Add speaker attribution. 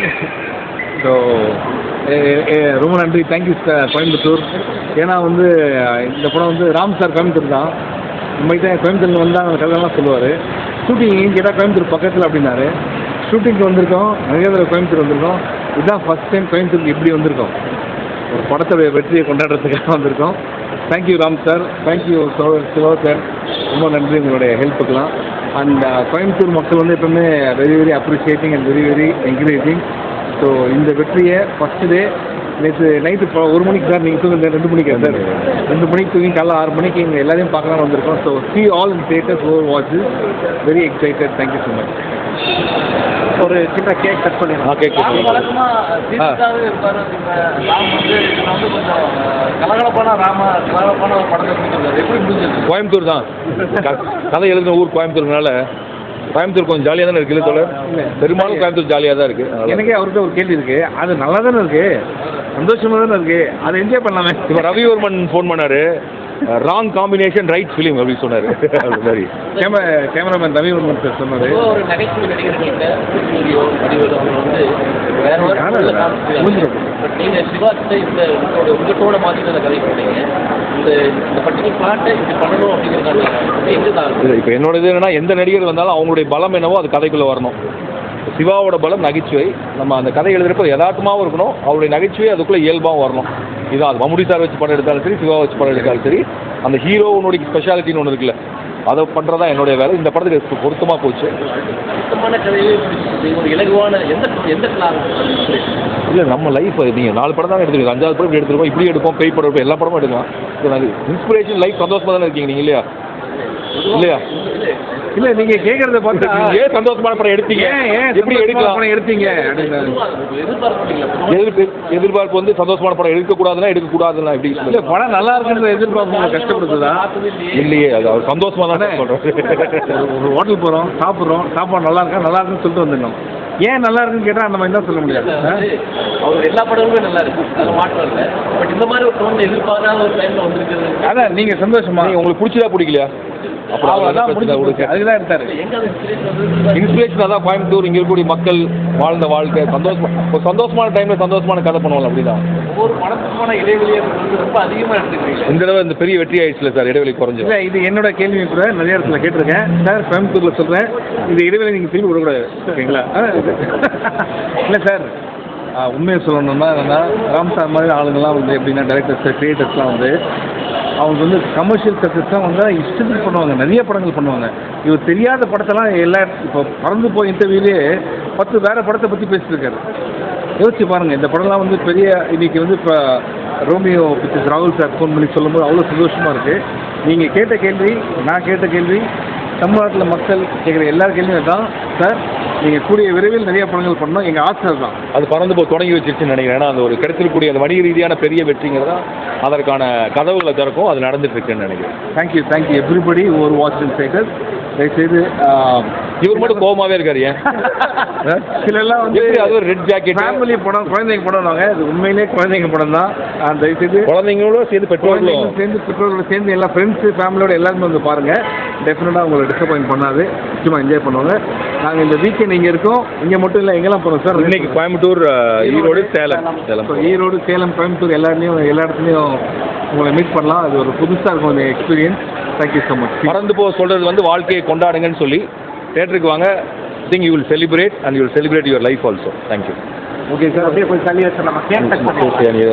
Speaker 1: So ரொம்ப நன்றி, thank you sir Coimbatore. ஏன்னா வந்து இந்த படம் வந்து ராம் சார் கோயம்புத்தூர் தான். நம்மகிட்ட கோயம்புத்தூர்ல வந்தால் அந்த கதையெல்லாம் சொல்லுவார். ஷூட்டிங் எங்கேயும் கேட்டால் கோயம்புத்தூர் பக்கத்தில் அப்படின்னாரு. ஷூட்டிங்க்கு வந்திருக்கோம், நிறைய தடவை கோயம்புத்தூர் வந்திருக்கோம். இதுதான் ஃபஸ்ட் டைம் கோயம்புத்தூருக்கு இப்படி வந்திருக்கோம், ஒரு படத்துடைய வெற்றியை கொண்டாடுறதுக்காக வந்திருக்கோம். Thank you Ram sir, thank you Siva sir, ரொம்ப நன்றி உங்களுடைய ஹெல்ப்புக்கெல்லாம். அண்ட் கோயம்புத்தூர் மக்கள் வந்து எப்பவுமே very very appreciating and very very encouraging. So இந்த வெற்றியை ஃபஸ்ட்டு டே நேற்று நைட்டு 1 மணிக்கு சார், நீங்கள் தூங்க 2 மணிக்கு சார், 2 மணிக்கு தூங்கி காலைல 6 மணிக்கு இங்கே எல்லாரையும் பார்க்கலாம் வந்திருக்கோம். So see all in theaters who watch this, very excited, thank you so much.
Speaker 2: ஒரு சின்ன கேக் கட் பண்ணிடலாம்.
Speaker 1: கேக் கோயம்புத்தூர் தான் கதை எழுதின ஊர் கோயம்புத்தூர்னால கோயம்புத்தூர் கொஞ்சம் ஜாலியாக தானே இருக்குது தோழர். பெரும்பாலும் கோயம்புத்தூர் ஜாலியாக தான் இருக்குது.
Speaker 2: எனக்கே அவர்கிட்ட ஒரு கேள்வி இருக்குது, அது நல்லா தானே இருக்குது, சந்தோஷமாக தானே இருக்குது, அதை என்ஜாய் பண்ணலாமே.
Speaker 1: இப்போ ரவிவர்மன் ஃபோன் பண்ணார், ராங் காம்பினேஷன் ரைட் ஃபிலிம் அப்படின்னு சொன்னார். அது மாதிரி
Speaker 2: கேமராமேன் ரவிவர்மன் சார் சொன்னார்.
Speaker 3: ஒரு நகைச்சுவை நடிகர்கிட்ட வந்து வேற நீங்கள் சிவாக்கிட்ட இந்த உங்களோட மாதிரி அந்த கதை பண்ணீங்க, இந்த பர்டிகுலர் பிளாட்டை இப்படி பண்ணணும் அப்படிங்கிறதுக்கான எங்கே தான்
Speaker 1: இப்போ என்னோட இது என்னன்னா, எந்த நடிகர் வந்தாலும் அவங்களுடைய பலம் என்னவோ அது கதைக்குள்ளே வரணும். சிவாவோட பலம் நகைச்சுவை. நம்ம அந்த கதை எழுதுறப்போ யதார்த்தமாகவும் இருக்கணும், அவருடைய நகைச்சுவை அதுக்குள்ளே இயல்பாகவும் வரணும். இதான் அது மம்முடி சார் வச்சு படம் எடுத்தாலும் சரி, சிவா வச்சு படம் எடுத்தாலும் சரி, அந்த ஹீரோனுடைய ஸ்பெஷாலிட்டின்னு ஒன்று இருக்குல்ல, அதை பண்ணுறதா என்னுடைய வேலை. இந்த படத்துக்கு பொருத்தமாக போச்சு.
Speaker 3: சுத்தமான கதையே ஒரு இலகுவான எந்த
Speaker 1: இல்லை நம்ம லைஃப் நீங்கள் 4 படம் தான் எடுத்துருக்கோம், 5வது படம் இப்படி எடுத்துருக்கோம், இப்படி எடுப்போம், பேய் படம் எடுப்போம், எல்லா படமும் எடுக்கலாம். ஸோ இன்ஸ்பிரேஷன் லைஃப் சந்தோஷமாக தானே இருக்கீங்க நீங்கள் இல்லையா? இல்லையா?
Speaker 2: இல்லை நீங்கள் கேட்குறத பார்த்தா
Speaker 1: ஏன் சந்தோஷமான படம் எடுத்தீங்க, எப்படி எடுக்கலாம்
Speaker 2: எடுத்தீங்க
Speaker 1: எதிர்பார்ப்பு வந்து சந்தோஷமான படம் எடுக்கக்கூடாதுன்னா எப்படி
Speaker 2: இல்லை, படம் நல்லா இருக்குன்ற எதிர்பார்ப்பு உங்களை கஷ்டப்படுத்துதா?
Speaker 1: இல்லையே, அது அவர் சந்தோஷமாக தான் சொல்கிறேன்.
Speaker 2: ஒரு ஹோட்டல் போகிறோம், சாப்பிட்றோம், சாப்பாடு நல்லா இருக்குன்னு சொல்லிட்டு வந்துடணும். ஏன் நல்லா இருக்குன்னு கேட்டால் அந்த மாதிரி தான் சொல்ல முடியாது.
Speaker 3: அவர் எல்லா படமுமே நல்லா இருக்கு, அது மாற்றம் இல்லை. பட் இந்த மாதிரி ஒரு டோன் எதிர்பாராத ஒரு டைமில் வந்துருக்குது.
Speaker 2: அதான் நீங்கள் சந்தோஷமா,
Speaker 1: உங்களுக்கு பிடிச்சதா பிடிக்கலையா?
Speaker 2: அப்புறம் அதுதான் எடுத்தாரு.
Speaker 1: இன்ஸ்பிரேஷன் அதான் கோயம்புத்தூர், இங்கே இருக்கக்கூடிய மக்கள் வாழ்ந்த வாழ்க்கை, சந்தோஷமான டைமில் சந்தோஷமான கதை பண்ணுவாங்க. அப்படிதான்
Speaker 3: ஒவ்வொரு படத்துக்கான இடைவெளியை ரொம்ப அதிகமாக எடுத்துக்கிறீங்க.
Speaker 1: இந்த தடவை இந்த பெரிய வெற்றி ஆயிடுச்சுல சார், இடைவெளி குறைஞ்சு.
Speaker 2: இல்லை, இது என்னோட கேள்வி கூட நிறைய இடத்துல கேட்டிருக்கேன் சார். கோயம்புத்தூரில் சொல்கிறேன், இந்த இடைவெளி நீங்கள் திரும்பி விடக்கூடாது, ஓகேங்களா? இல்லை சார், உண்மையை சொல்லணும்னா என்னென்னா, ராம் சார் மாதிரி ஆளுங்கள்லாம் வந்து எப்படின்னா டைரக்டர்ஸ் கிரியேட்டர்ஸ்லாம் வந்து அவங்க வந்து கமர்ஷியல் சக்ஸஸ்லாம் வந்து இஷ்டத்துக்கு பண்ணுவாங்க, நிறைய படங்கள் பண்ணுவாங்க. இவர் தெரியாத படத்தெல்லாம் இப்போ பறந்து போய் இன்டர்வியூலேயே 10 வேறு படத்தை பற்றி பேசியிருக்காரு. யோசிச்சு பாருங்கள், இந்த படம்லாம் வந்து பெரிய இன்றைக்கி வந்து இப்போ ரோமியோ பிக்சர்ஸ் ராகுல் சார் ஃபோன் பண்ணி சொல்லும்போது அவ்வளோ சந்தோஷமாக இருக்குது. நீங்கள் கேட்ட கேள்வி, நான் கேட்ட கேள்வி, தமிழ்நாட்டில் மக்கள் கேட்குற எல்லா கேள்வியும் தான் சார். நீங்கள் கூடிய விரைவில் நிறைய படங்கள் பண்ணணும், எங்கள் ஆசை தான்.
Speaker 1: அது பறந்து போய் தொடங்கி வச்சிருச்சுன்னு நினைக்கிறேன். ஏன்னா அந்த ஒரு கிடைச்சிருக்கக்கூடிய அந்த வணிக ரீதியான பெரிய வெற்றிங்கிறதா அதற்கான கதவுகளை திறக்கும், அது நடந்துட்டு இருக்குன்னு நினைக்கிறேன்.
Speaker 2: தேங்க்யூ எவ்ரிபடி ஓவர் வாட்சிங் தேட்டர்ஸ். தயவுசெய்து
Speaker 1: இவர் மட்டும் கோபமாகவே இருக்காரு. ஏன்
Speaker 2: சிலெல்லாம் வந்து
Speaker 1: அது ஒரு ரெட் ஜாக்கெட்
Speaker 2: ஃபேமிலி படம், குழந்தைங்க படம்னாங்க. அது உண்மையிலே குழந்தைங்க படம் தான். தயவுசெய்து
Speaker 1: குழந்தைங்களோட சேர்ந்து
Speaker 2: பெற்றோர்களோட சேர்ந்து எல்லா ஃப்ரெண்ட்ஸு ஃபேமிலியோட எல்லாருமே வந்து பாருங்கள். டெஃபினட்டாக உங்களை டிசப்பாயின்ட் பண்ணாது, நிச்சயமாக என்ஜாய் பண்ணுவாங்க. நாங்கள் இந்த வீக்கெண்ட் இங்கே இருக்கோம். இங்கே மட்டும் இல்லை, எங்கெல்லாம் போகிறோம் சார்?
Speaker 1: இன்னைக்கு கோயம்புத்தூர், ஈரோடு, சேலம்.
Speaker 2: ஈரோடு, சேலம், கோயம்புத்தூர் எல்லா இடத்துலையும் உங்களை மீட் பண்ணலாம். அது ஒரு புதுசாக இருக்கும் அந்த எக்ஸ்பீரியன்ஸ். Thank you so much.
Speaker 1: மறந்து போக சொல்கிறது வந்து வாழ்க்கையை கொண்டாடுங்கன்னு சொல்லி தேட்டருக்கு வாங்க. Think you will celebrate and you will celebrate your life also. Thank you.
Speaker 2: Okay sir, அப்படியே போய் தள்ளி வச்சிடலாமா?